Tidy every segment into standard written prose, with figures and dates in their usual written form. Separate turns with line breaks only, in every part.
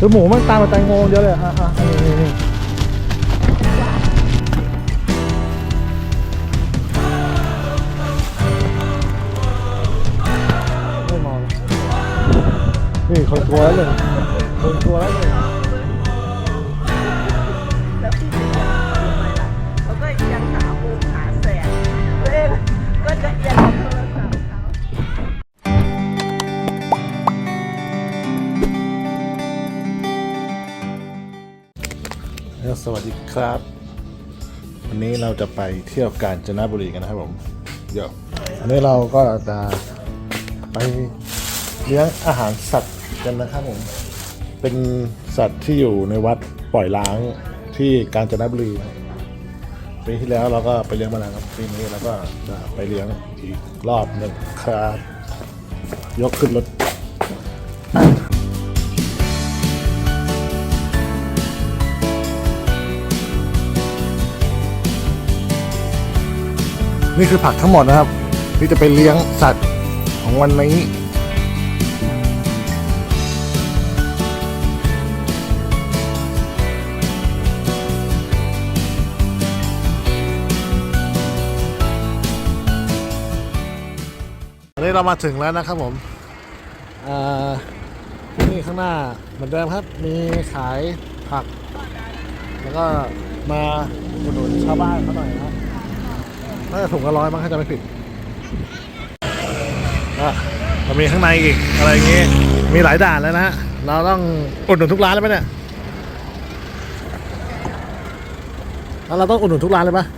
คือหมูมันตามมาแตงโมเยอะเลยนี่ไม่มองนี่คนกลัวแล้วเลยคนกลัวแล้วเลย
แล้วพี่จะทำไมล่ะเขาก็ยังหามุมหาแสงตัวเองก็จะเอียงโทรศัพท์เขา
สวัสดีครับวันนี้เราจะไปเที่ยวกาญจนบุรีกันนะครับผมเดี๋ยวอันนี้เราก็จะไปเลี้ยงอาหารสัตว์กันนะครับผมเป็นสัตว์ที่อยู่ในวัดปล่อยล้างที่กาญจนบุรีปีที่แล้วเราก็ไปเลี้ยงมาแล้วครับปีนี้เราก็จะไปเลี้ยงอีกรอบหนึ่งครับยกขึ้นรถนี่คือผักทั้งหมดนะครับที่จะไปเลี้ยงสัตว์ของวันนี้อันนี้เรามาถึงแล้วนะครับผมนี่ข้างหน้าเหมือนเดิมครับมีขายผักแล้วก็มาอุดหนุนชาวบ้านเขาหน่อยนะครับน่าจะถุงละ100มั้งถ้าจะไม่ผิดเรามีข้างในอีกอะไรอย่างงี้มีหลายด่านแล้วนะฮะเราต้องอุดหนุนทุกร้านเลยไหมเนี่ยแล้วเราต้องอุดหนุนทุกร้านเลยปะ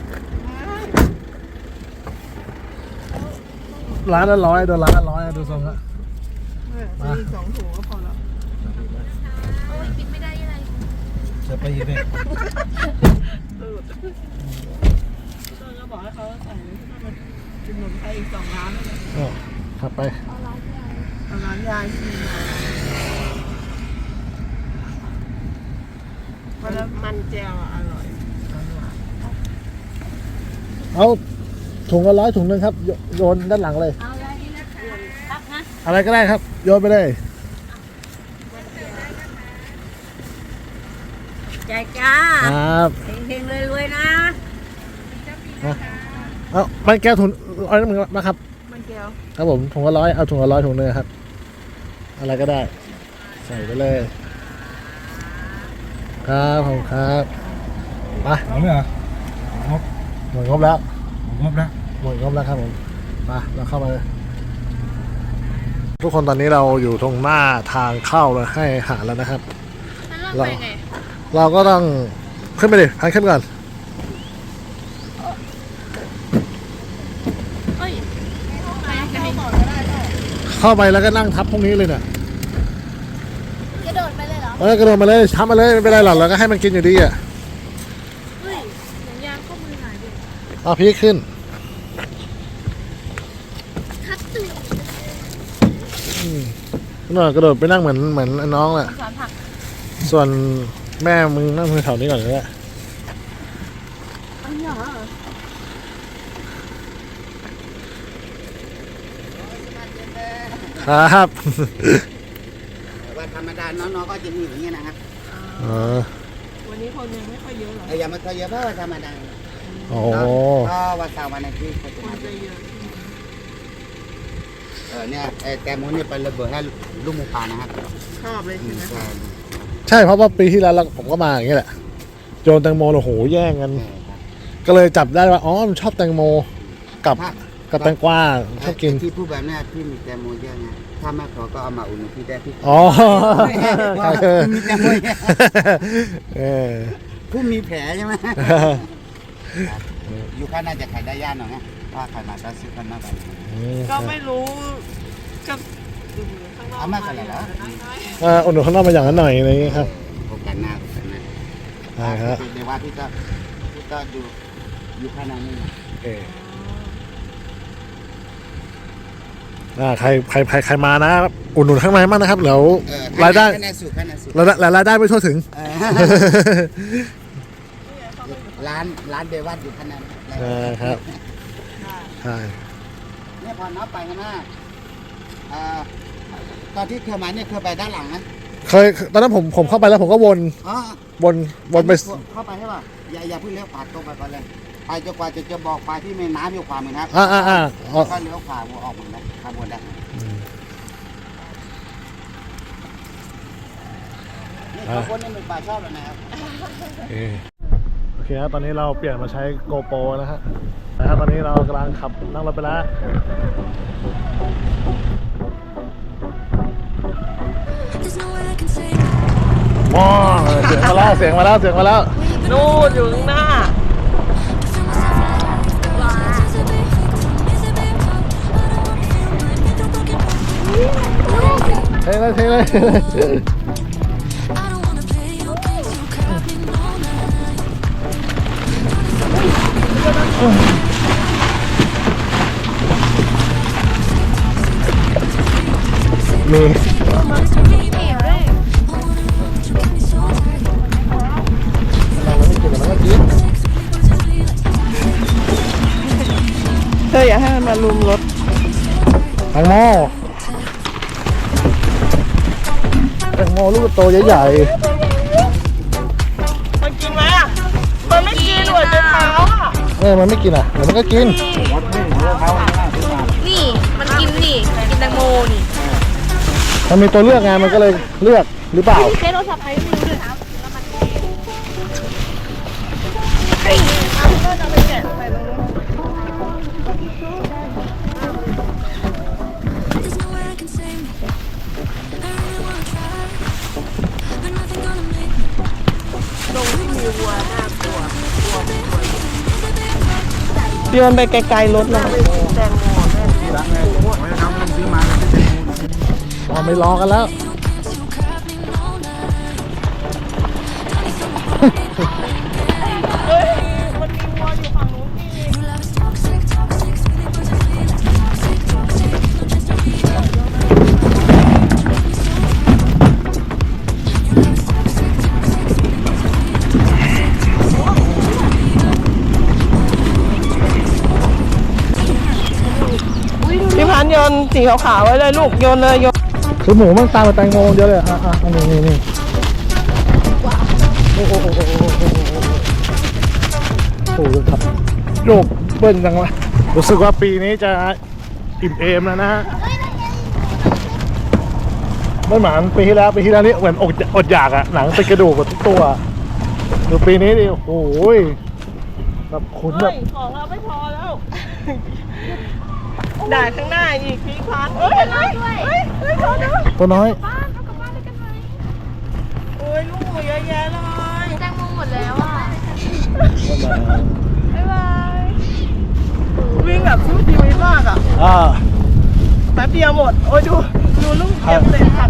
ร้านละ100โดนร้านละ100ดูทรงละ
มี2 ถุงก็พอแล้ว
โอ้ยกินไม่ได้ยังไง
จะไปยังไง
ต้นก็บอกให้เขาใส่ขนมไทยอีก2 ร้านเลย
ขับไป
ร้านยายชีแล้วมันแจ่วอร่อย
เอาถุงละ100ถุงนึงครับโยนด้านหลังเลย
เอาอะไรดีนะครับนะ
อะไรก็ได้ครับโยนไปเลย
ใจจ้า
ครับ
เฮงๆรวยๆนะ
เอามันแก้วถุง100นึงนะครับ
มันแก้ว
ครับผมถุงละ100เอาถุงละ100ถุงนึงครับอะไรก็ได้ใส่ไปเลยครับผมครับไปหมดเลยเหรอหมดงบแล้วหมดงบแล้วครับผมมาเราเข้ามาเลยทุกคนตอนนี้เราอยู่ตรงหน้าทางเข้าเลยให้อาหารแล้วนะครับเราก็ต้องขึ้นไปดิพันขึ้นก่อนเข้าไปแล้วก็นั่งทับพวกนี้เลยเนี่ย
กระโดดไปเลยเหรอก
ระโดดมาเลยทับมาเลยไม่เป็นไรหรอกเราก็ให้มันกินอยู่ดีอ่ะ
เฮ้ยหนังยางข้อมือหายไป
เอาพี่ขึ้น
ทับตึง
หน่อยกระโดดไปนั่งเหมือนน้องแหละส่วนแม่มึงนั่งแถวนี้ก่อนเลยแหละครับ
วันธรรมดาน้องๆก็จะมีอย่างนี้นะครับ
วันนี้คนยังไม่ค่อยเยอะหรอก
อย่ามาค่อยเยอะเพราะวันธรรมดา
โอ้
ก็วันเสาร์วันอาทิตย์
คนจะเยอะ
เนี่ยแตงโมนี่ไประเบิดให้ลูกหมูป่านะครับ
ชอบเลยใช่ไหม
ใช่เพราะว่าปีที่แล้วผมก็มาอย่างนี้แหละโยนแตงโมโอ้โหแย่งกันก็เลยจับได้ว่าอ๋อมันชอบแตงโมกับแตงกวาชอบกิน
ที่พูดแบบนี้พี่มีแตงโมเยอะไงถ้าไม่พอก็เอามาอุ่นพี่ได้พี่
อ๋อ
มีแตงโมผู้มีแผลใช่ไหมอยู่ข้างน่าจะขายได้ยากหน่อยนะว่าขายมาซื้อกันมาก
ก็ไม่รู้ก็
เอามากันเลยเหรอ
อุ่นข้างนอกมาอย่างนั้นหน่อยอะไรอย่างนี้ครับ
โอกาสหน้า
ใช่ครับ
ในว่าพี่ก็อยู่ข้างนั้นนี่
ใครมานะอุ่นหนุนข้างในมากนะครับเดี๋ยวรายได้รายได้ไม่ทั่วถึง
ร้านเดวัดอยู่ข้างนั้น
ครับใช่
เนี่ยพอนับไปข้างหน้าตอนที่เคยมาเนี่ยเคยไปด้านหลังนะ
เคยตอนนั้นผมเข้าไปแล้วผมก็วน
อ๋อ
วนไป
เข้าไปใช่ป่ะอย่าเพิ่งเลี้ยวขวาตรงไปก่อนเลยไปจนกว่าจะบอกไปที่แม่น้ำอยู่ขวามือนะครับ
อ๋อ
แล้วก็เลี้ยวขวาออกเหมือนกันขบวนได้นี่ขบวนนี่เป็นป่าชอบเลยนะครับ
โอเคครับตอนนี้เราเปลี่ยนมาใช้ GoPro นะฮะนะครับตอนนี้เรากำลังขับนั่งรถไปแล้วว้าวเสียงมาแล้ว
นู่นอยู่ข้างหน้า
เท่เลย มีเราไม่กินมันก็กิน
เธออย่าให้มันมาลุมรถ
แตงโมลูกโตใหญ่
มันกินไหมอ่ะ มันไม่กินหัวใจเท้าอ่ะ
ๆมันไม่กินอ่ะเดี๋ยวมันก็กิน
นี่มันกินนี่กินแตงโมนี่
มันมีตัวเลือกไงมันก็เลยเลือกหรือเปล่า
เจ๊โทรศัพท์ใครไม่รู้เลยครับ
ก็จะไปแกะใส่ตรงนู้นตรงที่มีวัวน่ากลัวโยนไปไกลๆรถเลยแตงโมแม่
ไม่รอกันแล้ว
เฮ้ยมันมีวัวอยู่ฝั่งนู้นนี่ พี่พันธุ์โยนสีขาวๆไว้เลยลูกโยนเลยโยน
คือหมูมันตามมาแตงโมเยอะเลยนี่โอ้โหครับโยกเบิ้ลจังวะรู้สึกว่าปีนี้จะอิ่มเอมแล้วนะฮะไม่เหมือนปีที่แล้วนี่เหมือนอดอยากอะหนังติดกระดูกหมดทุกตัวดูปีนี้ดิโอ้โหแบบขุนแบบ
เฮ้ยของเราไม่พอแล้วด่าข้างหน้าอีกพี่พันธุ์เฮ้ยขอดู
ตัวน้อย
บ้านเอากลับบ้านเลยกันไหม
โอ้ยลูกเยอะแยะเลย
แตงโมหมดแล้วอ่ะ
บ๊ายบายวิ่งแบบสู้ชีวิตมากอ่ะ แป๊บเดียวหมด โอ้ยดูลูกเก็บเศษผัก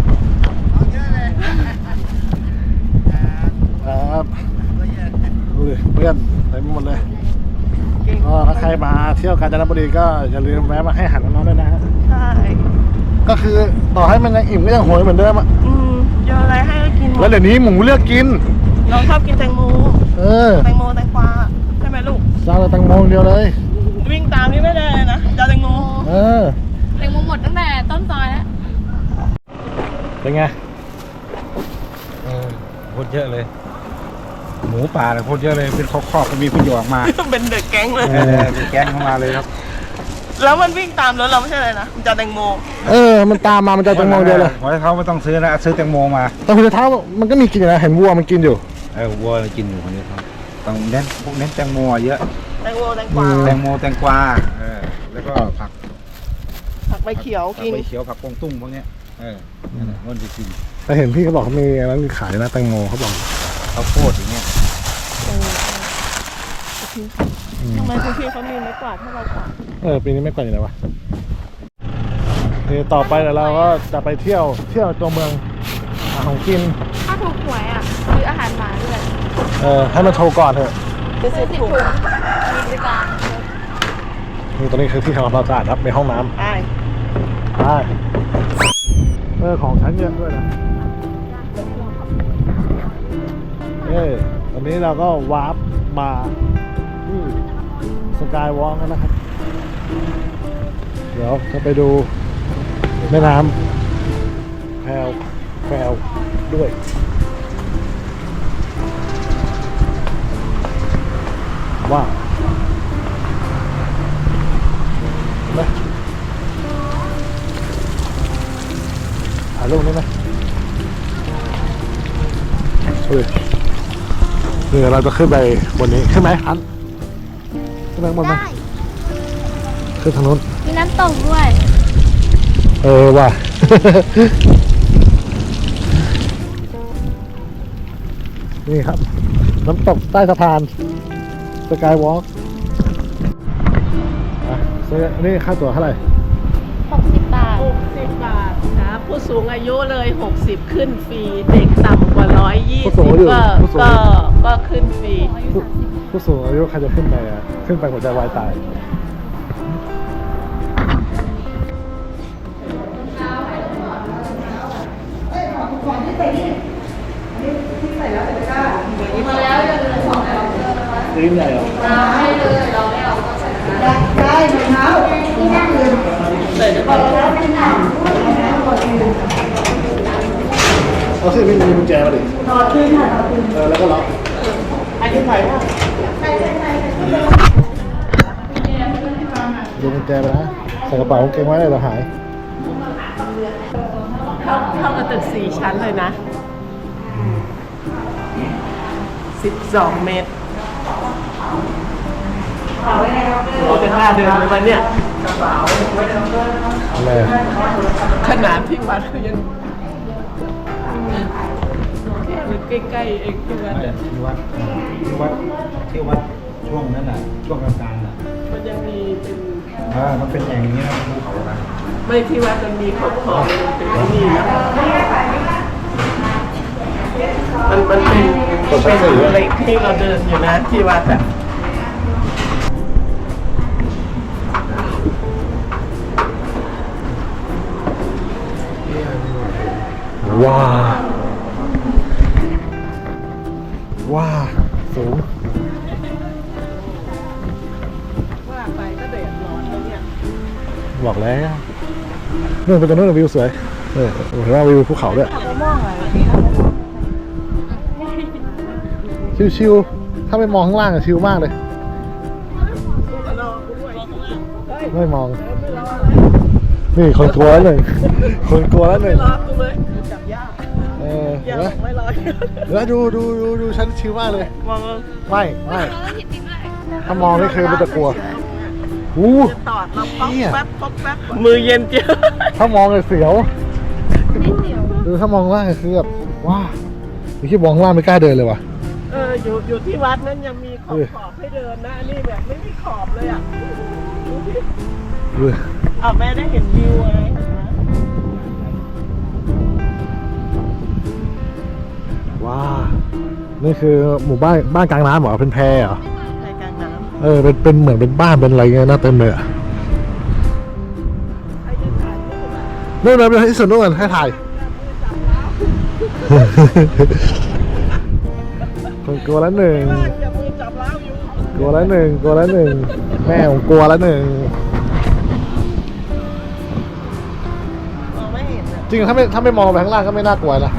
ครับดูดิเพื่อนเต็มหมดเลยก็ถ้าใครมาเที่ยวกาญจนบุรีก็อย่าลืมแวะมาให้อาหารน้องๆด้วยนะฮะ
ใช่
ก็คือต่อให้มันยังอิ่มก็ยังโหยเหมือนเดิมอ่ะ
โยนอะไรให้ก็กินหม
แล้ว
ด
เดี๋ยวนี้หมูเลือกกิน
เราชอบกินแตงโม แตงโมแตงกวาใช่ไหมลูก
ซาลาแตงโมเดียวเลย
วิ่งตามนี่ไม่ได้เลยนะจะเอาแตงโม
แตงโมหมดตั้งแต่ต้นซอยแล้ว
เป็นไง
โคตรเยอะเลย หมูป่าเนี่ยโคตรเยอะเลยเป็นคอกๆก็มีคุณหยออกมา
เป็นเด็กแก๊งเลย
เป็นแก๊งเข้ามาเลยครับ
แล้วมันวิ่งตามรถเราไม่ใช่เลยนะมันจะเอาแตงโม
มันตามมามันจะแตงโมเดียวเลย
ขอให้เขาไม่ต้องซื้อนะซื้อแตงโมมา
แต่คุณเท้ามันก็มีกินอยู่นะเห็นวัวมันกินอยู่
วัวกินอยู่คนนี้ครับต้องเน้นพวกเน้นแตงโมเยอะ
แตงโมแตงกวา
แตงโมแตงกวาแล้วก็ผัก
ผักใบเขียวกิน
ใบเขียวผักกวางตุ้งพวกเนี้ยนั่นแหละมันจะกิน
แต่เห็นพี่เขาบอกเขามีร้านขายนะแตงโมเขาบอก
ข้าวโพดอย่างเงี้ย
ทำไมคุณพี่เขามีไม้กวาดให้เรากวาด
ปีนี้ไม่กว่าอยู่ไหนวะต่อไปเดี๋ยวเราก็จะไปเที่ยวตัวเมืองหาของกิน
ถ้าถูกหวยอ่ะซื้ออาหารหมาด้วย
ให้มันโทรก่อนเถอะ
จะซื้อถุง
มีบริการ
นี่ตรงนี้คือที่ทำความสะอาดครับในห้องน้ำ
ใช่
ได้ของชั้นเย็นด้วยนะตอนนี้เราก็วาร์ปมาที่สกายวอล์กแล้วนะครับ เดี๋ยวจะไปดูแม่น้ำแพรวด้วยว้าวนะถ่ายรูปได้ไหมเฮ้ยนี่เราจะขึ้นไปบนนี้ขึ้นไหมอันขึ้นไปบนไหม
ได้
ขึ้นทางนู้น
มีน้ำตกด้วย
ว่ะ นี่ครับ น้ำตกใต้สะพานสกายวอล์กนี่ค่าตั๋วเท่าไหร่
60 บาท
60 บาทนะผู้สูงอายุเลย 60 ขึ้นฟรี เด็กต่ำกว่า
ผู้สูงอายุ
120 ก็ขึ้นฟรี
ผู้สูงอายุใครจะขึ้นไปอ่ะ ขึ้นไปหัวใจวายตาย ลิ้นใหญ่เหรอ
ใส่ได้ปะ
เอาสิพี่มีกุญแจมาดิแล้วก็ล็อก
อันนี้ใส่ว่า
ดูกุญแจไปนะใส่กระเป๋ากางเกงไว้เลยเราหาย
เข้ากับตึก4 ชั้นเลยนะ 12 เมตรเราจะกล้าเดินไหมวันเนี่ย
อะไรอ่ะ
ขนาดที่วัดเขายังแค่มันใกล้ๆเองที่วัดอะ
ที่วัดช่วงนั้นน่ะช่วงกลางๆน่ะ
มันยังมีเป็น
มันเป็นอย่างนี้นะภูเขานะ
ไม่ที่วัดมันมีขอบๆเป็นที่นี่นะมันเป็นเหล็กที่เราเดินอยู่นะที่วัดอะ
ว้าว้าสูง
ว่าไปก็เดือดร้อนแล้วเนี่ย
บอกแล้วนู่นเป็นตรงนู้นวิวสวยเห็นว่าวิวภูเขาด้วยชิวๆถ้าไม่มองข้างล่างอะชิวมากเลย ไม่มอง นี่คนกลัวแล้วหนึ่งคนกลัวแล้วหนึ่ง
รอกูเลยจับยาก
เห็
ยาน
ไหม
กไม่รอ
แล้วดูฉันชิวมากเลย
มอง
ไม่ถ้ามองนี่คือมันจะกลัวอู้
จะตอดเราป๊อก
เนี่ย
แป๊บป๊อกแป๊บมือเย็นเจียว
ถ้ามองเลยเสียวดูถ้ามองล่างคือแบบว้านี่คิดมองข้างล่างไม่กล้าเดินเลยว่ะ
อยู่ที่วัดนั้นยังมีขอบให้เดินนะอันนี้แบบไม่มีขอบเลยอ่ะ
ดู
เอาแม่ได้เห็นวิวไง
ว้านี่คือหมู่บ้านกลางน้ำเหรอเป็นแพเหรอ
ในกลางน้ำ
เป็นเหมือนเป็นบ้านเป็นอะไรเงี้ยน่าเต็มเลยอ่ะ
ไอ้ที่ถ่ายรูปอะ
นู่นเลยที่สุดนู่นให้ถ่ายคนกลัวแล้วหนึ่ง
อย่ามือจับเล้าอยู่
กลัวแล้วหนึ่งแม่ผมกลัวแล้วหนึ่ง
มองไม่เห็นอ่ะ
จริงถ้าไม่มองไปข้างล่างก็ไม่น่ากลัวนะ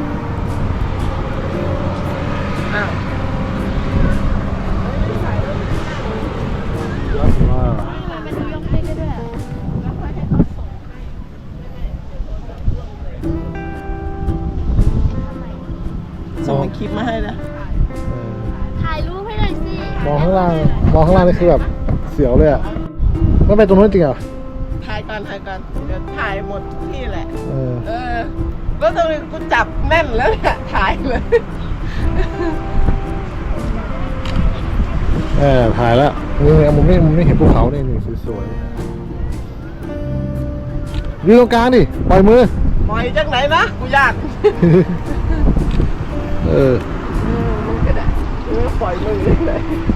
อ้าว
เป็นตัวยกให้ด้วย
ส่งคลิปมาให้นะ
ถ่ายรูปให้หน่อยสิ
มองข้างล่างนี่คือแบบเสียวเลยอ่ะมันเป็นตรงนู้นจริงเหรอ
ถ่ายก่อนเดี๋ยวถ่ายหมดที่แหละ
เออ
แล้วตอนนี้กูจับแน่นแล้วเนี่ยถ่ายเลย
ถ่ายแล้วนี่มุมนี้เห็นภูเขานี่สวยๆยืนตรงกลางดิปล่อยมือ
ปล่อยจากไหนนะกูยาก มึงก็ได้ปล่อยมือเลย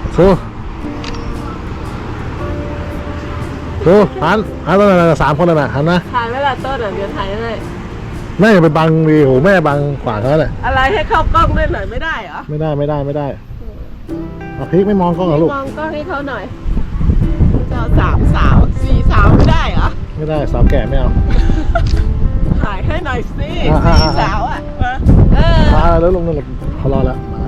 ดูหันตรงนั้น3 คนน่ะหันนะ
ถ่ายไว้ละต้นอ่ะเดี๋ยวถ่ายให้
แม่อย่าไปบังดิโหแม่บังขวางเขาเลย
อะไรให้เข้ากล้องด้วยหน่อยไม่ได้เหรอ
ไม่ได้เอาพริกไม่มองกล้องเหรอลูก
มองกล้องให้เขาหน่อยจะเอา3 สาว 4 สาวไม่ได้เหรอ
ไม่ได้สาวแก่ไม่เอา
ถ่ายให้หน่อยสิ
อ่ะ
4 สาวอ่ะมา
มาแล้วลงนั่นเลยเขารอแล้วมา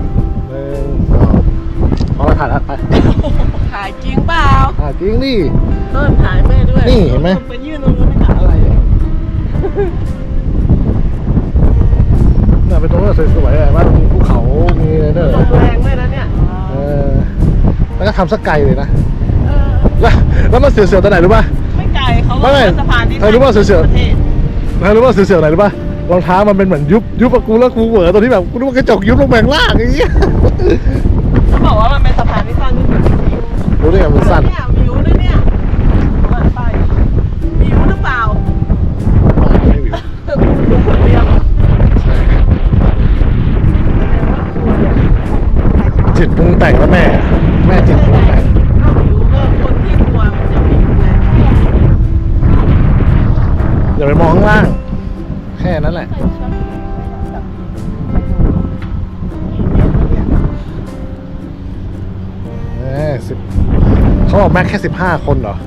1 2พอแล้วถ่ายแล้วไป
ถ่ายจริงเปล่า
ถ่ายจริงดิ
ต้นถ่ายแม่ด้วย
นี่เห็นไหม
ไปยื่นตรงนู้นไม่ถ่ายอะไรเลย
เนี่ยเป็นตรงนั้นสวยๆอะว่ามีภูเขามีอะไรด้วย
ลมแรงด้วยนะเนี่ย
แล้วก็ทำสักไกลเลยนะแล้วมันเสียวๆตรงไหนรู้ป่ะ
ไม่ไกลเขาก็
ไม่
เป็นสะพานที่
เธอรู้ว่าเสือ
ประเทศ
แล้วรู้ว่าเสียวๆไหนรู้ป่ะรองเท้ามันเป็นเหมือนยุบกับกูแล้วกูเหวอตรงที่แบบกูนึกว่ากระจกยุบลงแบงล่างอย่างเงี้ย
เขาบอกว่ามันเป็นสะพานที่สั้นที่สุดในชีวิต
รู้ได้ไงมันสั้น
เนี่ยวิวด้วยเนี่ยมาไปวิวหรือเปล่า
ไม่วิว
เรียบ
จิตปรุงแต่งแล้วแม่จิตปรุงแต่ง
ถ้าวิวก็คนที่กลัวมันจะวิวแหละ
อย่าไปมองข้างล่าง แค่นั้นแหละเขาบอกแม็กแค่15 คนเหรอ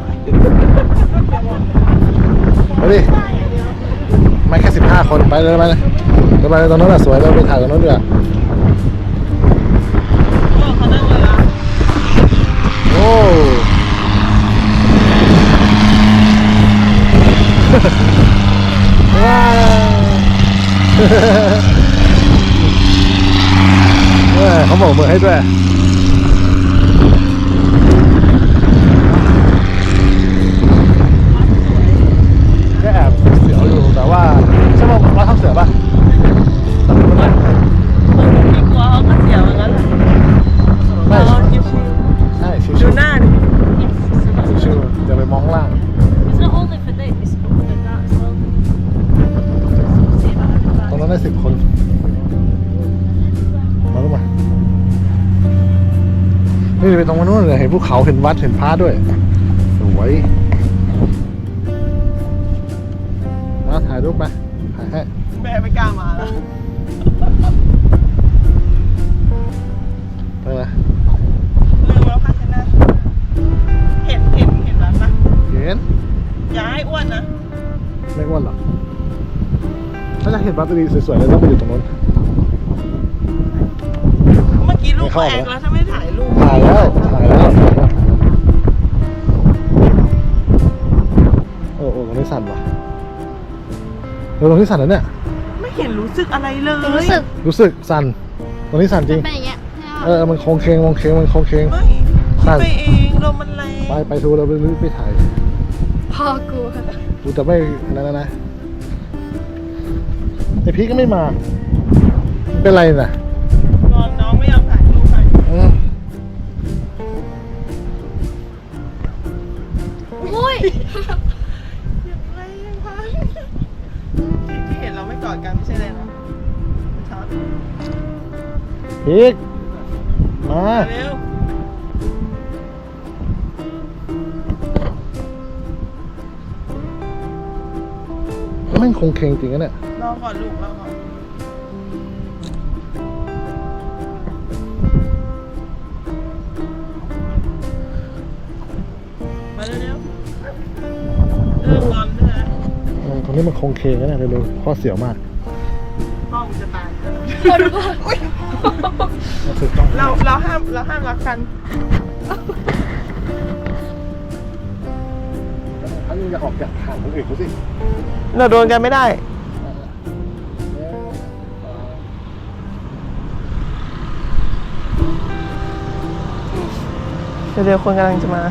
เอาดิแม็กแค่15 คนไปเลยไปเลยตรงนั้นแหละสวยเราไปถ่ายตรงนั้นดีกว่า
เขานั่งเลยนะ
โอ้ว้าวเขาบอกมือให้ด้วยก็แอบเสียวอยู่แต่ว่าใช่ป่ะว่าทำเสือป่ะแต่มันไม่
คนที่กลัวเขาก็เสียวอย่างนั้นแหละเราชิว
ใช่
ๆ
ชิ
ดู
ว
หน้าดิ
ๆชิวๆอย่าไปมองข้างล่าง
It's not only for this, but for that as well. See about
ตรงนั้นได้10 คนมาลูกมานี่ไปตรงนู้นเลยเห็นภูเขาเห็นวัดเห็นพระด้วยสวยมาถ่ายรูปไปถ่ายให้
แม่ไม่กล้ามาแล้ว
ไปเลย
ลืมแล้วค่ะชนะเห็นแล้วปะ
เห็น
อย่าให้อ้วนนะ
ไม่อ้วนหรอกถ้าจะเห็นวัดดีสวยๆเลยต้องไปอยู่ตรงนู้น
เมื่อกี้ลูกแอกแล้วถ้าไม่ถ่ายรูป
ถ่ายแล้วโอ้ตรงนี้สั่นว่ะตรงนี้สั่นแล้วเนี่ย
ไม่เห็นรู้สึกอะไรเลย
รู้สึก
รู้สึกสั่นตรงนี้สั่นจริง
เป็นอย่างเงี้ย
มันโค้งเคงมันโค้งเคง
ไม่คิดไปเองลมมันแรง
ไปทูเราไปถ่าย
พ่อกู
กูจะไม่อันนั้นนะไอพี่ก็ไม่มา เป็นไรน่ะ
น้องไม่ยอมถ่ายรูปให้
โอ้ย
อะไรยังพันที่เห็นเราไม่กอดกันไม่ใช่เลยนะช็อต
พีกมา
เร็ว
แม่งคงเคงจริงนะเนี่ย
รอก่อนลูกรอก่อนมาเร็วๆเริ่มงอนด้วยนะ
ตรงนี้มันคงเคงนะเนี่ยเร็วๆข้อเสียวมาก
พ่อมึงจะตาย
คนพ่อ
มันสุดต้อง
เราห้ามรักกัน
ถ้ามึงจะออกจากห่างคนอื่นเขาสิ
เราโดนกันไม่ได้เดี๋ยวคนกำลังจะมา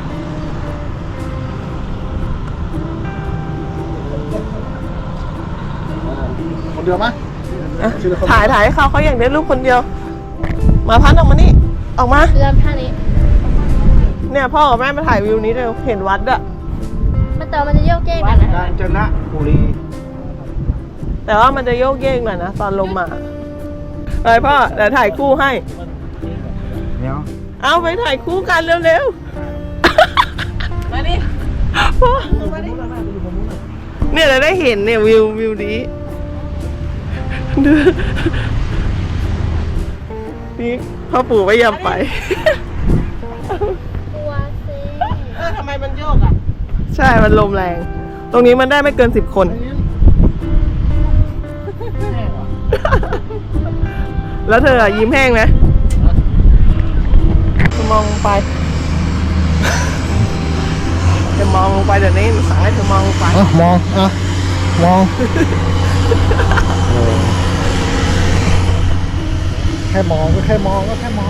คนเดียวมั้ย
ถ่ายให้เขาอยากได้รูปคนเดียว มาพันออกมานี่ ออกมา
เริ่มท่านี้
เนี่ยพ่อกับแม่มาถ่ายวิวนี้เร็วเห็นวัดอะ
มันแต่มันจะโยกเย้งหน่อยนะ
กาญจนบุรี
แต่ว่ามันจะโยกเยกหน่อยนะตอนลมมาไปพ่อเดี๋ยวถ่ายคู่ให้
เดี๋ยว
เอาไปถ่ายคู่กันเร็วๆ มาดิพ่อมาดิเนี่ยเราได้เห็นเนี่ยวิวนี้ดูนี่พ่อปู่ไม่ยอมไป
กลัวสิ
ทำไมมันโยกอ่ะ ใช่ มันลมแรง ตรงนี้มันได้ไม่เกิน10 คนแล้วเธออะยิ้มแห้งไหมจะมองลงไปจะมองลงไปเดี๋ยวนี้สั่งให้เธอมองลงไป
มองมองแค่มองก็แค่มองก็แค่มอง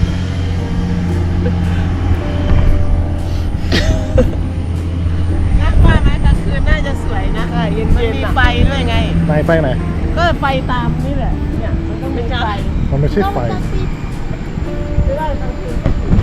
น่ากลัวไหมกลางคืนน่าจะสวยนะเย็นๆมันมีไฟด้วยไง
ไฟไหน
ก็ไฟตามนี่แหละเนี่ยมันต้องมีไฟ
มันไม่ใช่ไฟ
ไม่ได้กลางคืน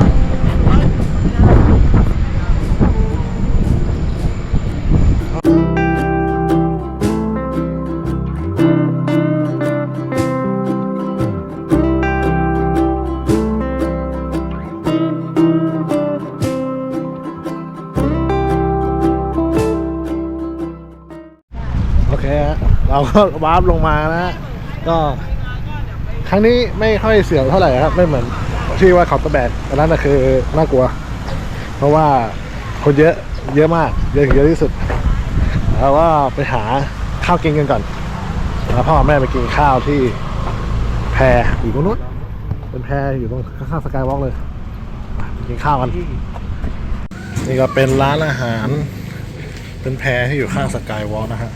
โอเคฮะเราก็วาร์ปลงมานะฮะก็ครั้งนี้ไม่ค่อยเสี่ยวเท่าไหร่ครับไม่เหมือนที่ว่าเขาตะแบกอันนั้นนะคือน่ากลัว เพราะว่าคนเยอะมากเยอะที่สุดแล้วว่าไปหาข้าวกินกันก่อนแล้วพ่อแม่ไปกินข้าวที่แพอยู่ตรงนู้นเป็นแพอยู่ตรงข้างๆสกายวอล์กเลยไปกินข้าวกันนี่ก็เป็นร้านอาหารเป็นแพที่อยู่ข้างสกายวอล์กนะฮะ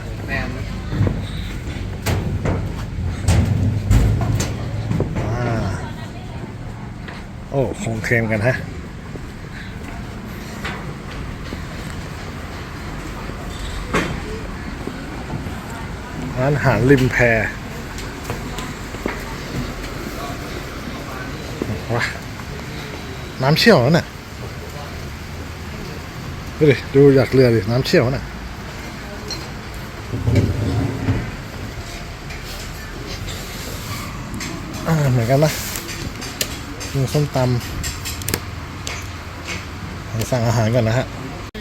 โอ้คงเคลมกันฮะร้านอาหารริมแพว้าน้ำเชี่ยวนั่นน่ะดูอยากเรือดิน้ำเชี่ยวน่ะเหมือนกันนะมีส้มตำสั่งอาหารก่อนนะฮะ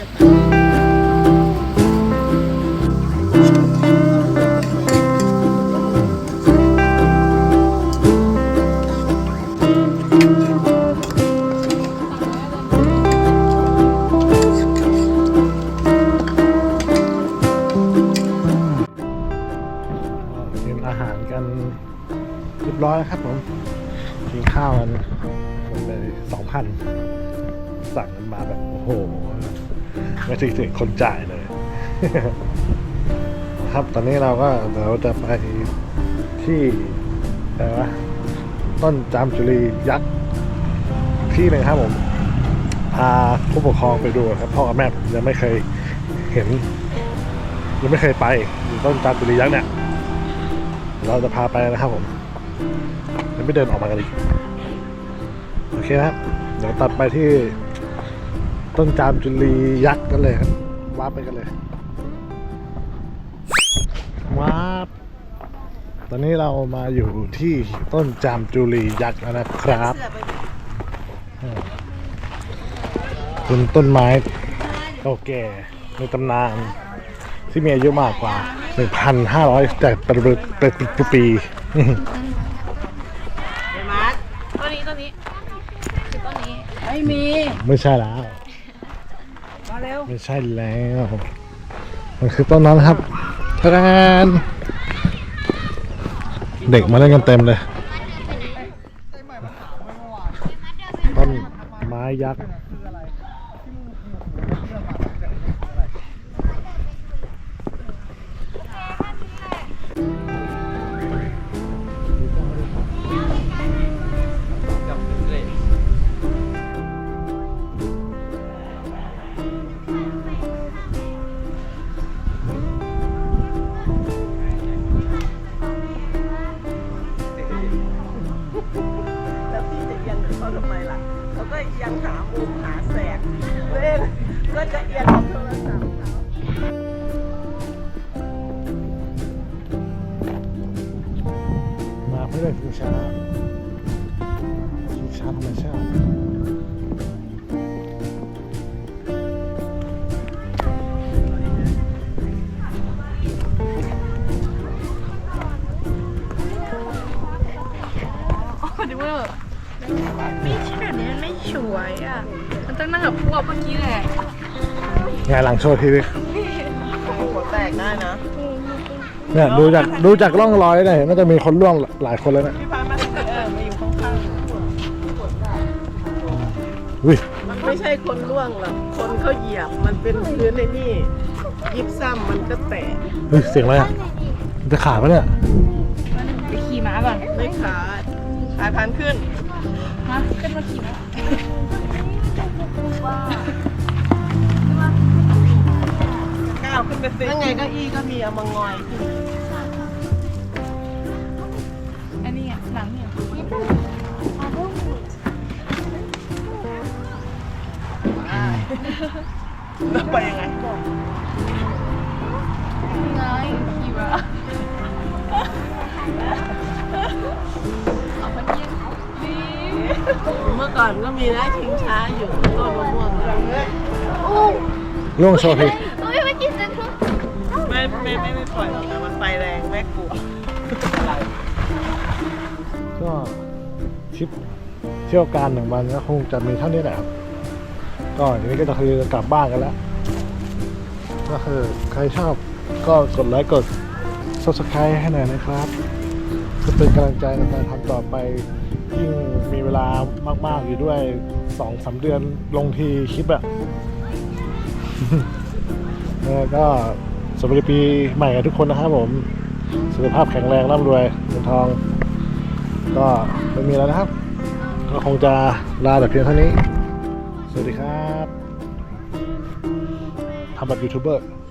กินอาหารกันเรียบร้อยครับผมกินข้าวกันหมดเลย 2,000 สั่งกันมาแบบโอ้โหไม่ถึงคนจ่ายเลย ครับตอนนี้เราจะไปที่อะไรวะต้นจามจุรียักษ์ที่หนึ่งครับผมพาผู้ปกครองไปดูครับพ่อกับแม่ยังไม่เคยเห็นยังไม่เคยไปต้นจามจุรียักษ์เนี่ยเราจะพาไปนะครับผมยังไม่เดินออกมากันอีกโอเคครับเดี๋ยวตัดไปที่ต้นจามจุลียักษ์กันเลยครับว้าไปกันเลยว้าตอนนี้เรามาอยู่ที่ต้นจามจุลียักษ์แล้วนะครับเป็นต้นไม้เก่าแก่ในตำนานที่มีอายุมากกว่า 1,500 แต่ปี
ตัวนี้คือตัวนี้
ไม่มี
ไม่ใช่แล้ว
มาเร็ว
ไม่ใช่แล้วมันคือต้นนั้นครับทาน เด็กมาเล่นกันเต็มเลยต้นไม้ยักษ์
แล้วพี่จะเอียงเขาทำไมล่ะเขาก็ยังหามุมหาแสงเล่นก็จะเอียงกับโทรศัพท์เขา
มาเพื่อเล่นชิงช้าธรรมชาติ
ดูว่าไม่ใช่แบบนี้มันไม่สวยอ่ะ มันต้องนั่งกับพวกเมื่อกี้แหละ
งานหลังโชว์ทีวี
หัวแตกได้นะ
เนี่ยดูจากร่องรอยเนี่ยน่าจะมีคนร่วงหลายคนแล้วนะ
พี่พามา
อุ้ย
มันไม่ใช่คนล่วงหรอกคนเขาเหยียบมันเป็นพื้นในนี่ยิบซ้ำมันก็แตก
เฮ้ยเสียงอะไรอ่ะมันจะขาดปะเนี่ย
ไปขี่ม้าก่อน
ไม่ขาดขาพันขึ้น
มาขึ้นมาขี่ม้า
ก้าวขึ้นไปสิถ้าไงเก้าอี้ก็มีเอามางอยขึ้น
อันนี้อ่ะหลังเนี่ย
แล้วไปยังไง
ไงขี่ม้าเอาไปกินนี่
เมื่อก่อนก็มีนะชิงช้าอยู่ต้นมะม่วงอะ
ล่วงโชว์ที
เฮ้ยไม่กินจังทุก
ไม่ปล่อยหรอกนะมันไปแรงแม่กลัว
ก็ทริปเที่ยวการหนึ่งวันก็คงจะมีเท่านี้แหละครับก็ทีนี้ก็จะคือกลับบ้านกันแล้วก็คือใครชอบก็กดไลค์กด subscribe ให้หน่อยนะครับก็เป็นกำลังใจในการทำต่อไปยิ่งมีเวลามากๆอยู่ด้วย 2-3 เดือนลงทีคลิปอะ แล้วก็สวัสดีปีใหม่กับทุกคนนะครับผมสุขภาพแข็งแรงร่ำรวยเงินทอง ก็ไม่มีแล้วนะครับ ก็คงจะลาแต่เพียงเท่านี้ สวัสดีครับทำแบบยูทูบเบอร์